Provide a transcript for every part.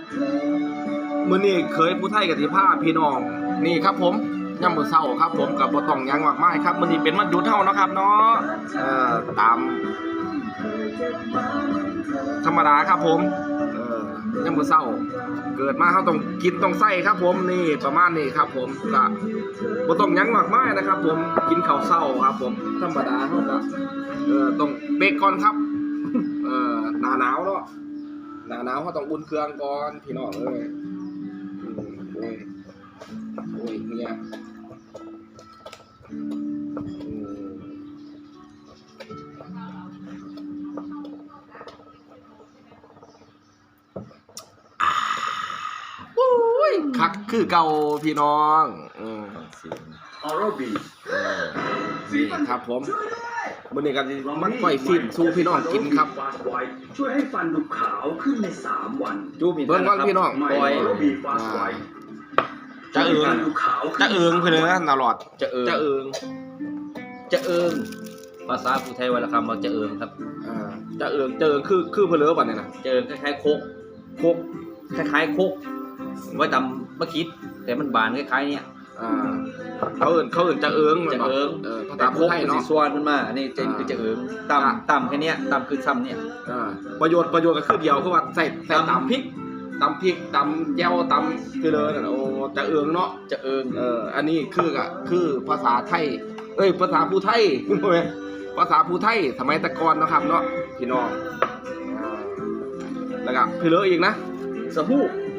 มื้อนี้เคยผู้ไทยกับที่ผ้าพี่น้องนี่ครับผมย่ำมื้อเช้าครับผมกับบ่ต้องหยังมากมายครับมื้อนี้เป็นวันหยุดเฮานะครับเนาะตามธรรมดาครับผมย่ำมื้อเช้าเกิดมาเฮาต้องกินต้องใส่ครับผมนี่ประมาณนี้ครับผมก็บ่ต้องหยังมากมายนะครับผมกินข้าวเช้าครับผมธรรมดาเฮาก็ต้องเบรกก่อนครับหน้าหนาวเนาะหน้าหนาวเฮาต้องอุ่นเครื่องก่อนพี่น้องเอ้ยโอ้ยเนี่ยคักคือเก่าพี่น้องออโรบีนี่ครับผมมื้อนี้ก็มันก้อยฟินสู้พี่น้องกินครับช่วยให้ฟันดูขาวขึ้นใน3 วันจูบเบิ่งก่อนพี่น้องก้อยจะเอิงเพิ่นนะตลอดจะเอิงภาษาภูไทยวรรณคำเราจะเอิงครับจะเอิงคือเพิ่นบัดนี้นะจะเอิงคล้ายๆโคกคล้ายๆโคกไว้ตำมะคิดแต่มันบานคล้ายๆเนี่ยเขาเอิ้นจะเอิงภาษาภูไทยเนาะสิส่วนมันมานี่คือจะเอิงตำแค่เนี้ยตำคือซ้ำเนี่ยประโยชน์ก็คือเดียวคือว่าใส่ตำพริกตำแจ่วตำคือเลยนั่นโอ้จะเอิงเนาะจะเอิงอันนี้คือภาษาไทยภาษาภูไทยภาษาภูไทยสมัยตะกอนนะครับเนาะพี่น้องแล้วก็คือเลยอีกนะสะฮู้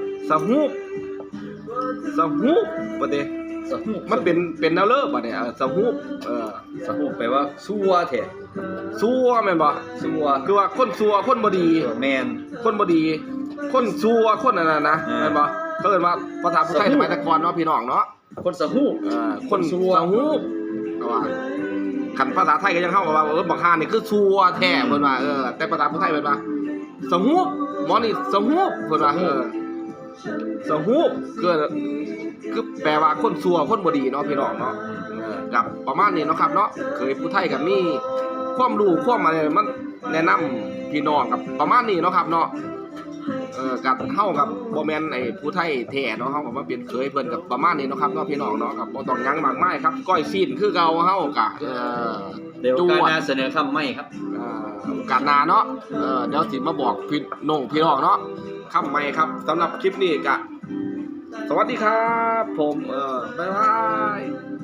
ประเดี๋ยวสะฮู้มันเป็นแนวเลิศป่ะเนี่ยสะฮู้สะฮู้แปลว่าซัวแท้ซัวแม่นบ่ซัวคือว่าคนซัวคนบ่ดีแม่นคนบ่ดีคนซัวคนนั่นน่ะนะแม่นบ่เขาเอิ้นว่าภาษาภูไทยสมัยตะกอนเนาะพี่น้องเนาะคนสะฮู้คนซัวเอาว่าคันภาษาไทยก็ยังเฮาว่าบักห่านี่คือซัวแท้เพิ่นว่าแต่ภาษาภูไทยเพิ่นว่าสะฮู้หมอนี่สะฮู้เพิ่นว่าสะฮู้คือแปลว่าคนซัวคนบ่ดีเนาะพี่น้องเนาะกับประมาณนี้เนาะครับเนาะเคยผู้ไทยกับมีความรู้ความอะไรมันแนะนำพี่น้องกับประมาณนี้เนาะครับเนาะกับเฮากับบ่แม่นไอ้ผู้ไทยแท้เนาะเฮาก็มาเป็นเคยเพิ่นกับประมาณนี้เนาะครับเนาะพี่น้องเนาะกับบ่ต้องหยังมากมายครับก้อยซีนคือเก่าเฮากะเดี๋ยวการหน้าเสนอคำใหม่ครับการหน้าเนาะเดี๋ยวสิมาบอกพี่น้องเนาะคำใหม่ครับสำหรับคลิปนี้กะสวัสดีครับผมบ๊ายบาย